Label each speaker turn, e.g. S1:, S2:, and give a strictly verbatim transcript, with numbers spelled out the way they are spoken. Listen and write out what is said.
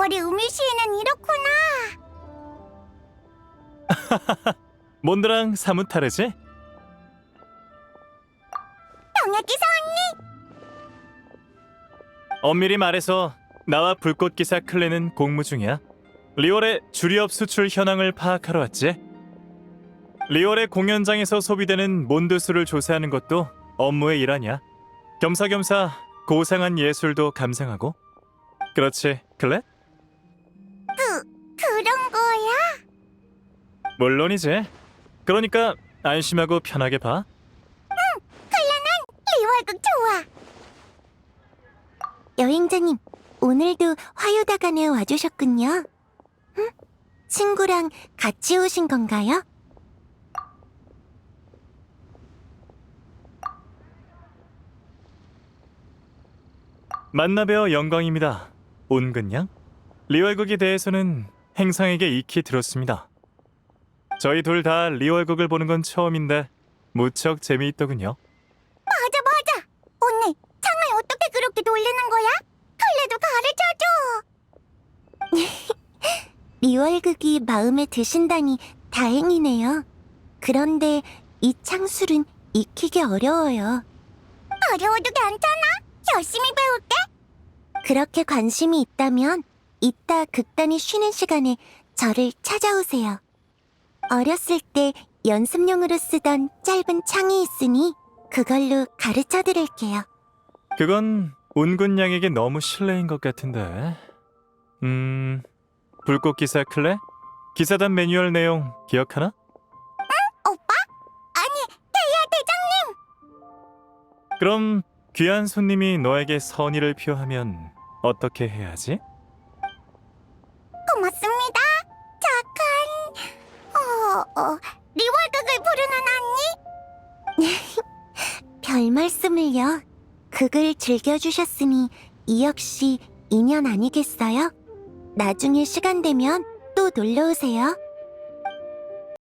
S1: 리월의 음유시에는 이렇구나.
S2: 몬드랑 사뭇 다르지?
S1: 병약기사 언니!
S2: 엄밀히 말해서 나와 불꽃기사 클레는 공무 중이야. 리월의 주리업 수출 현황을 파악하러 왔지. 리월의 공연장에서 소비되는 몬드수를 조사하는 것도 업무의 일 아니야. 겸사겸사 고상한 예술도 감상하고. 그렇지, 클레?
S1: 그, 그런 거야?
S2: 물론이지. 그러니까 안심하고 편하게 봐.
S1: 리월극 좋아. 여행자님, 오늘도 화요다간에 와주셨군요. 응? 친구랑 같이 오신 건가요?
S2: 만나 뵈어 영광입니다. 온근양? 리월극에 대해서는 행상에게 익히 들었습니다. 저희 둘 다 리월극을 보는 건 처음인데 무척 재미있더군요.
S1: 맞아 맞아. 언니, 창을 어떻게 그렇게 돌리는 거야? 클레도 가르쳐줘. 리월극이 마음에 드신다니 다행이네요. 그런데 이 창술은 익히기 어려워요. 어려워도 괜찮아. 열심히 배울게. 그렇게 관심이 있다면 이따 극단이 쉬는 시간에 저를 찾아오세요. 어렸을 때 연습용으로 쓰던 짧은 창이 있으니 그걸로 가르쳐 드릴게요.
S2: 그건 온근양에게 너무 실례인 것 같은데. 음... 불꽃기사 클레? 기사단 매뉴얼 내용 기억하나?
S1: 오빠? 아니, 태야 대장님!
S2: 그럼 귀한 손님이 너에게 선의를 표하면 어떻게 해야지?
S1: 고맙습니다. 착한... 어... 어... 리월극을 부르는 언니? 별 말씀을요. 극을 즐겨주셨으니 이 역시 인연 아니겠어요? 나중에 시간 되면 또 놀러오세요.